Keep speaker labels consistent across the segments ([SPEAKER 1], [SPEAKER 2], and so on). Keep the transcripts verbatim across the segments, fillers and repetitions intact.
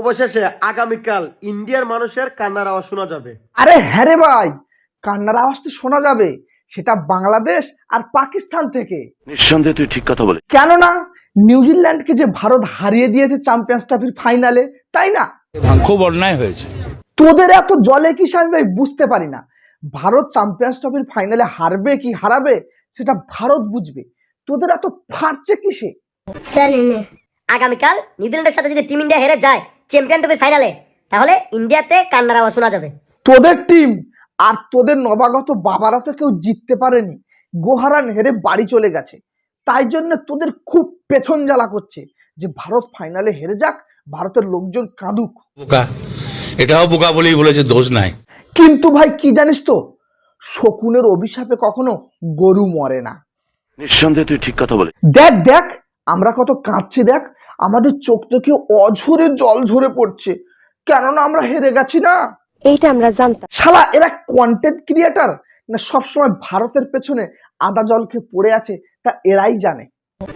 [SPEAKER 1] অবশেষে আগামীকাল ইন্ডিয়ার মানুষের কান্নার আওয়াজ শোনা যাবে।
[SPEAKER 2] আরে হ্যাঁ রে ভাই, কান্নার আওয়াজ তো শোনা যাবে, সেটা বাংলাদেশ আর পাকিস্তান থেকে।
[SPEAKER 3] নিঃসন্দেহে তুই ঠিক কথা বলে।
[SPEAKER 2] কেননা নিউজিল্যান্ডকে যে ভারত হারিয়ে দিয়েছে চ্যাম্পিয়ন্স ট্রফির ফাইনালে, তাই না?
[SPEAKER 4] খুব অন্যায় হয়েছে।
[SPEAKER 2] তোদের এত জলে কিসে আমি ভাই বুঝতে পারি না। ভারত চ্যাম্পিয়ন্স ট্রফির ফাইনালে হারবে কি হারাবে সেটা ভারত বুঝবে, তোদের এত ফাটছে কিসে?
[SPEAKER 5] আগামীকাল নিউজিল্যান্ডের সাথে যদি টিম ইন্ডিয়া হেরে যায় চ্যাম্পিয়ন ট্রফির ফাইনালে, তাহলে ইন্ডিয়াতে কান্নার আওয়াজ শোনা যাবে।
[SPEAKER 2] তোদের টিম আর তোদের নবাগত বাবারা তো কেউ জিততে পারেনি, গোহারান হেরে বাড়ি চলে গেছে। তাই জন্য তোদের খুব পেছন জ্বালা করছে যে ভারত ফাইনালে হেরে যাক, ভারতের লোকজন কাঁদুক।
[SPEAKER 4] বোকা, এটাও বোকা বলেই বলেছে, দোষ নাই।
[SPEAKER 2] কিন্তু ভাই কি জানিস তো, শকুনের অভিশাপে কখনো গরু মরে না।
[SPEAKER 3] নিঃসন্দেহে তুই ঠিক কথা বলে।
[SPEAKER 2] দেখ দেখ আমরা কত কাঁদছি, দেখ আমাদের চোখ থেকে অঝরে জল ঝরে পড়ছে, কেননা আমরা হেরে গেছি না।
[SPEAKER 6] এইটা আমরা জানতাম।
[SPEAKER 2] শালা এরা কন্টেন্ট ক্রিয়েটার না সবসময় ভারতের পেছনে আদা জল খেয়ে পড়ে আছে, তা এরাই জানে।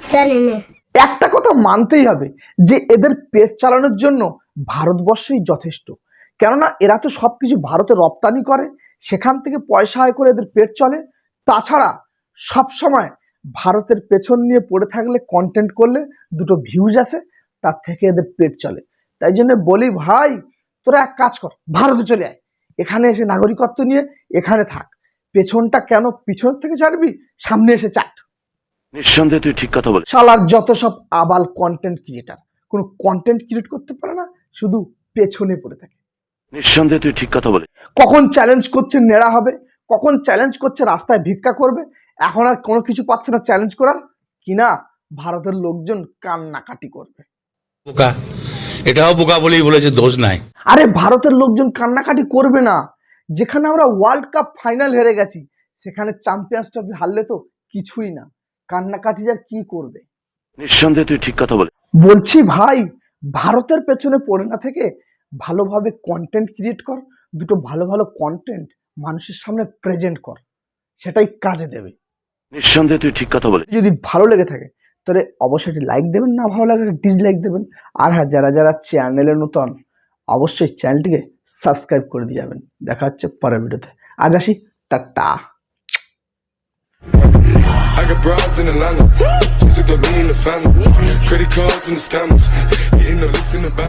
[SPEAKER 2] একটা কথা মানতেই হবে যে এদের পেট চালানোর জন্য ভারতবর্ষই যথেষ্ট, কেননা এরা তো সবকিছু ভারতে রপ্তানি করে, সেখান থেকে পয়সা আয় করে এদের পেট চলে। তাছাড়া সবসময় ভারতের পেছন নিয়ে পড়ে থাকলে, কন্টেন্ট করলে দুটো ভিউজ আসে, তার থেকে এদের পেট চলে। তাই জন্য বলি ভাই, তোরা এক কাজ কর, ভারতে চলে আয়, এখানে এসে নাগরিকত্ব নিয়ে এখানে থাক। পেছনটা কেন পিছন থেকে চাটবি, সামনে এসে চাট।
[SPEAKER 3] নিঃসন্দেহে তুই ঠিক কথা বলে।
[SPEAKER 2] শালার যত সব আবাল কন্টেন্ট ক্রিয়েটার, কোনো কন্টেন্ট ক্রিয়েট করতে পারে না, শুধু পেছনে পড়ে থাকে।
[SPEAKER 3] নিঃসন্দেহে তুই ঠিক কথা বলে।
[SPEAKER 2] কখন চ্যালেঞ্জ করছে নেড়া হবে, কখন চ্যালেঞ্জ করছে রাস্তায় ভিক্ষা করবে, এখন আর কোনো কিছু পাচ্ছে না চ্যালেঞ্জ করার, কিনা ভারতের লোকজন কান্নাকাটি করবে।
[SPEAKER 4] বোকা, এটাও বোকা বলেই বলেছে, দোষ নাই।
[SPEAKER 2] আরে ভারতের লোকজন কান্নাকাটি করবে না, যেখানে আমরা ওয়ার্ল্ড কাপ ফাইনাল হেরে গেছি, সেখানে চ্যাম্পিয়ন্স ট্রফি হারলে তো কিছুই না, কান্নাকাটি আর কি করবে।
[SPEAKER 3] নিঃসন্দেহে তুই ঠিক কথা বলে।
[SPEAKER 2] বলছি ভাই, ভারতের পেছনে পড়ে না থেকে ভালোভাবে কন্টেন্ট ক্রিয়েট কর, দুটো ভালো ভালো কন্টেন্ট মানুষের সামনে প্রেজেন্ট কর, সেটাই কাজে দেবে।
[SPEAKER 3] নিঃসন্দেহে তুই ঠিক কথা বলে।
[SPEAKER 2] যদি ভালো লেগে থাকে তাহলে অবশ্যই একটি লাইক দেবেন, না ভালো লাগলে ডিসলাইক দেবেন। আর হ্যাঁ, যারা যারা চ্যানেলে নতুন অবশ্যই চ্যানেলটিকে সাবস্ক্রাইব করে দিয়ে যাবেন। দেখা হচ্ছে পরের ভিডিওতে, আজ আসি, টাটা।
[SPEAKER 7] I got broads in Atlanta, just to throw me in the family. Credit cards and the scammers, hitting the licks in the back.